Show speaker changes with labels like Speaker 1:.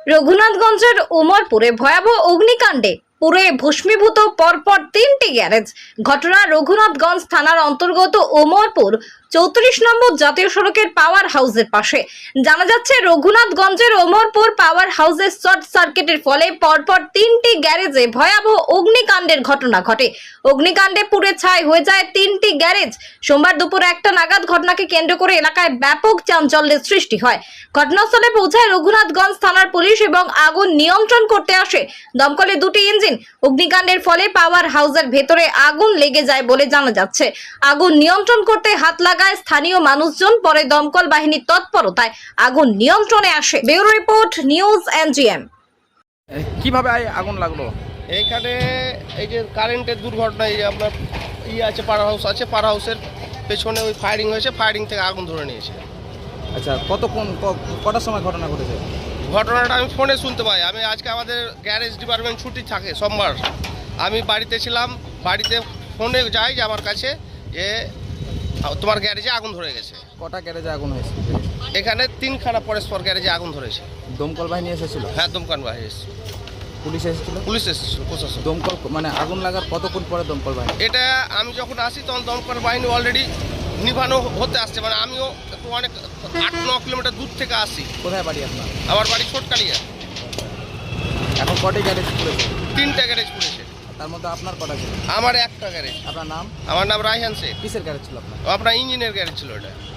Speaker 1: রঘুনাথগঞ্জের উমরপুরে ভয়াবহ অগ্নিকাণ্ডে পুড়ে ভস্মীভূত পরপর 3টি গ্যারেজ। ঘটনা রঘুনাথগঞ্জ থানার অন্তর্গত উমরপুর 34 নম্বর জাতীয় সড়কের পাওয়ার হাউসের পাশে। জানা যাচ্ছে রঘুনাথগঞ্জের উমরপুর পাওয়ার হাউসের শর্ট সার্কিটের ফলে পরপর 3টি গ্যারেজে ভয়াবহ অগ্নিকাণ্ডের ঘটনা ঘটে। অগ্নিকাণ্ডে পুড়ে ছাই হয়ে যায় 3টি গ্যারেজ। সোমবার দুপুর 1টা নাগাদ ঘটনাকে কেন্দ্র করে এলাকায় ব্যাপক চাঞ্চল্যের সৃষ্টি হয়। ঘটনাস্থলে পৌঁছায় রঘুনাথগঞ্জ থানার পুলিশ এবং আগুন নিয়ন্ত্রণ করতে আসে দমকলের 2টি ইঞ্জিন। অগ্নিকাণ্ডের ফলে পাওয়ার হাউসের ভেতরে আগুন লেগে যায় বলে জানা যাচ্ছে। আগুন নিয়ন্ত্রণ করতে হাত লাগায় স্থানীয় মানুষজন, পরে দমকল বাহিনীর তৎপরতায় আগুন নিয়ন্ত্রণে আসে। Bureau report, news NGM.
Speaker 2: কিভাবে আগুন লাগলো?
Speaker 3: এইখানে এই যে কারেন্টের দুর্ঘটনা, এই যে আপনার আছে পাওয়ার হাউস আছে, পাওয়ার হাউসের পেছনে ওই ফায়ারিং হয়েছে, ফায়ারিং থেকে আগুন ধরে নিয়েছে।
Speaker 2: আচ্ছা, কটার সময় ঘটনা ঘটেছে?
Speaker 3: ঘটনাটা আমি ফোনে শুনতে পাই। আমি আজকে আমাদের গ্যারেজ ডিপার্টমেন্ট ছুটি থাকে সোমবার, আমি বাড়িতে ছিলাম। বাড়িতে ফোনে যাই যে আমার কাছে যে তোমার গ্যারেজে আগুন ধরে গেছে।
Speaker 2: কটা গ্যারেজে আগুন হয়েছে?
Speaker 3: এখানে 3খানা পরস্পর গ্যারেজে আগুন ধরেছে।
Speaker 2: দমকল বাহিনী এসেছিল?
Speaker 3: হ্যাঁ, দমকল বাহিনী এসেছিল।
Speaker 2: পুলিশ এসেছিল?
Speaker 3: পুলিশ এসেছিল, প্রশাসন।
Speaker 2: দমকল মানে আগুন লাগার কতক্ষণ পরে দমকল বাহিনী?
Speaker 3: এটা আমি যখন আসি তখন দমকল বাহিনী অলরেডি নিভানো হতে আসছে। মানে আমিও একটু অনেক 8-9 কিলোমিটার দূর থেকে আসি।
Speaker 2: কোথায় বাড়ি আপনার?
Speaker 3: আমার বাড়ি ছোটকালিয়া।
Speaker 2: এখন কটি গ্যারেজ পুড়েছে?
Speaker 3: 3টা গ্যারেজ পুড়েছে।
Speaker 2: তার মধ্যে আপনার কটা ছিল?
Speaker 3: আমার একটা গ্যারেজ।
Speaker 2: আপনার নাম?
Speaker 3: আমার নাম রায়হান শেখ।
Speaker 2: কিসের গ্যারেজ ছিল আপনার?
Speaker 3: আপনার ইঞ্জিনের গ্যারেজ ছিল এটা।